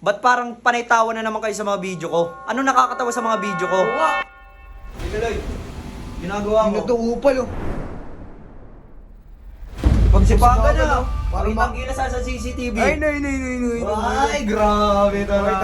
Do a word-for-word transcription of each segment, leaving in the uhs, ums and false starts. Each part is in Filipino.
Ba't parang panaytawa na naman kayo sa mga video ko? Ano nakakatawa sa mga video ko? Oo nga. Tigaloy, ginagawa Hindi mo. na to upal oh. Pagsipagan Pagsipagan, na. oh. Parang Parang gilas sa C C T V. Ay, nay, nay, nay, nay. Ay, grabe talaga.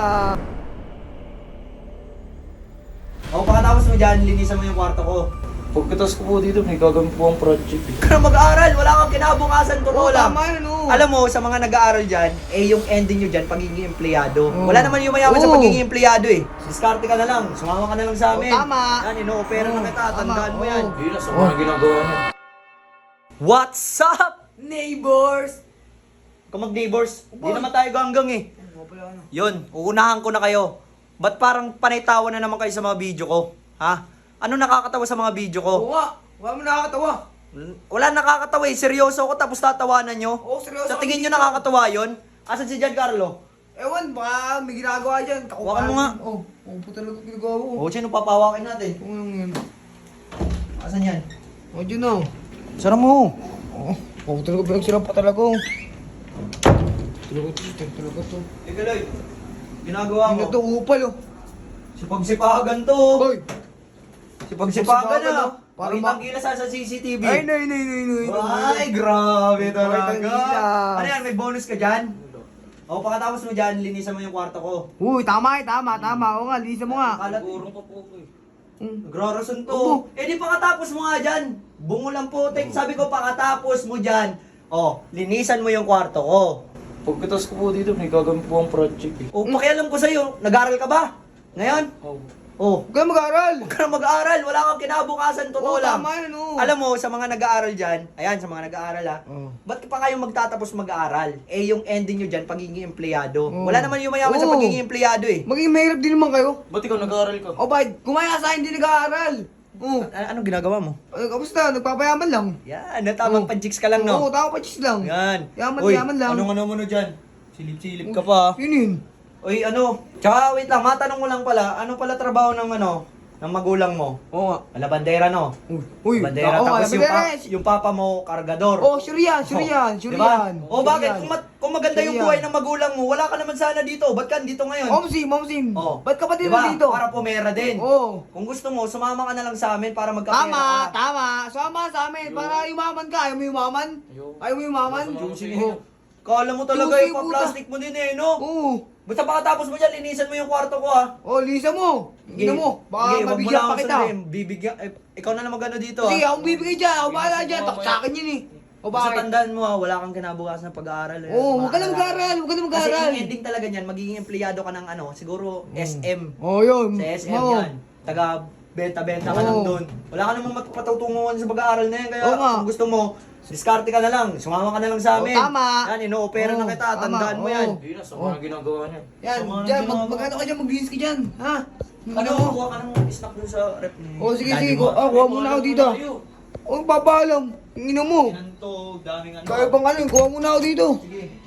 O, pagkatapos mo dyan, linisan mo yung kwarto ko. Pagkatas ko po dito, may gagawin po ang project eh. Huwag ka na mag-aaral, wala kang kinabukasan, totoo Oo, lang. tama yun, oo. Alam mo, sa mga nag-aaral dyan, eh yung ending nyo dyan, pagiging empleyado. Oo. Wala naman yung mayaman sa Oo. pagiging empleyado eh. Diskarte ka na lang, sumama ka na lang sa amin. Oo, tama. Yan, ino-opera na Oo, kita, tandaan tama, mo yan. oo. Yun na sa mga ginagawa niya. What's up? Neighbors! Kung mag-neighbors, di naman tayo ganggang eh. Oo pala ano. Yun, uunahan ko na kayo. Ba't parang panaytawa na naman kayo sa mga video ko? Ha? Ano nakakatawa sa mga video ko? Oo nga. Wala mo nakakatawa. Wala nakakatawa eh. Seryoso ako tapos tatawanan nyo. Oo, seryoso Sa ako tingin nyo dito. nakakatawa yun? Asan si Giancarlo? Ewan, baka may ginagawa dyan. Takupan. Hawakan mo nga. Oo, oo po talaga ginagawa ko. O, sino papawakin natin? Oo lang yan. Asan yan? Oo, dyan na. Sara mo. Oo, oo talaga pinagsirap pa talaga. oh. Talaga to, talaga to. Tigaloy, ginagawa Hindi mo. na to upal oh. Sipagsipagan to. Hoy! Sipagsipagan na. oh. Parang Parang ma- gilas sa C C T V. Ay, nay, nay, nay, nay. Ay, grabe Bakit ang talaga. gilas? Ano yan, may bonus ka dyan? O, pagkatapos mo dyan, linisan mo yung kwarto ko. Uy, tama eh, tama, tama. Oo nga, lisa mo nga. Kalat. Sigurong pa po ko eh. Hmm. Nagrarason to. Oo. Eh di pakatapos mo nga dyan. Bungo lang putik. Sabi ko pakatapos mo dyan. O, linisan mo yung kwarto ko. Pagkatas ko po dito, may gagawin po ang project eh. O, pakialam ko sa'yo. Nag-aaral ka ba? Ngayon? Oh. O, Huwag ka mag-aaral. huwag ka na mag-aaral. Wala kang kinabukasan. Totoo Oo, lang. tama yun, oo. Alam mo, sa mga nag-aaral dyan, ayan, sa mga nag-aaral ha, Oo. ba't pa kayo magtatapos mag-aaral? Eh, yung ending nyo dyan, pagiging empleyado. Oo. Wala naman yung mayaman sa Oo. pagiging empleyado eh. Maging mahirap din naman kayo. Ba't ikaw nag-aaral ka? O bakit? Kumaya sa akin, hindi nag-aaral. Oo. A- anong ginagawa mo? Ay, kamusta? Nagpapayaman lang. Yan, natamang Oo. panjiks ka lang, no? Oo, tao pa cheese lang. Yan. Yaman, Uy, yaman lang. anong ano mo no dyan? Silip-silip ka pa. Yun yun. Uy, ano? Tsaka, wait lang, matanong mo lang pala, ano pala trabaho ng ano, ng magulang mo? Oo nga. Ala, bandera, no? Uy, uy. Bandera, oo, tapos yung, pa, bandera. yung papa mo, kargador. Oh, sure yan, sure yan, sure Diba? yan. O Sure bakit? yan. Kung, mat- kung maganda Sure yung yan. buhay ng magulang mo, wala ka naman sana dito. Ba't ka dito ngayon? Momsim, momsim. Oh. Ba't ka pa din Diba? dito? Para pumera din. Oo. Kung gusto mo, sumama ka na lang sa amin para magkapera Tama, ka. tama. Sama sa amin para yumaman ka. Ayaw mo yumaman? Ayaw. Ayaw mo yumaman? Ayaw. Sige. Oo. Kala mo talaga Juicy, yung pa-plastic mo din eh, no? Oo. Basta pakatapos mo dyan, linisan mo yung kwarto ko ha. Oh, lisa mo. Ina mo. Baka Sige, wag mo mabigyan lang pa ako kita. sabihin, Bibigyan, eh, ikaw na lang magano dito Sige, ha. akong bibigay dyan. Ako bahala dyan. Mamaya. Tak sa akin yun eh. O Basta bakit? tandaan mo ha, wala kang kinabukasan ng pag-aaral. eh. Oo, huwag ka na Maalala. mag-aaral. Huwag ka na Kasi mag-aaral. yung ending talaga niyan, magiging empleyado ka ng ano, siguro S M. Oh, yun. Sa S M Oo. yan. Taga benta-benta ka lang Oo. doon. Wala ka namang matutunguhan sa pag-aaral na yan. Kaya Oo nga. kung gusto mo, diskarte ka na lang. Sumama ka na lang sa Oo, amin. tama. Yan, ino-opera Oo, na kita. Tandaan tama. mo yan. Oo. Yun na sa mga ginagawa niya. Yan, Sama ng dyan. Mag, ginagawa. mag-ano ka dyan, mag-greens ka dyan. Ha? Ano, mo? kuha ka ng snack dun sa rep ni Oh, sige, daddy sige. mo. Ah, kuha muna ako dito. Oh, papaalam. Ina mo. Yan to, daming ano. Kaya bang ano, kuha muna ako dito. Sige.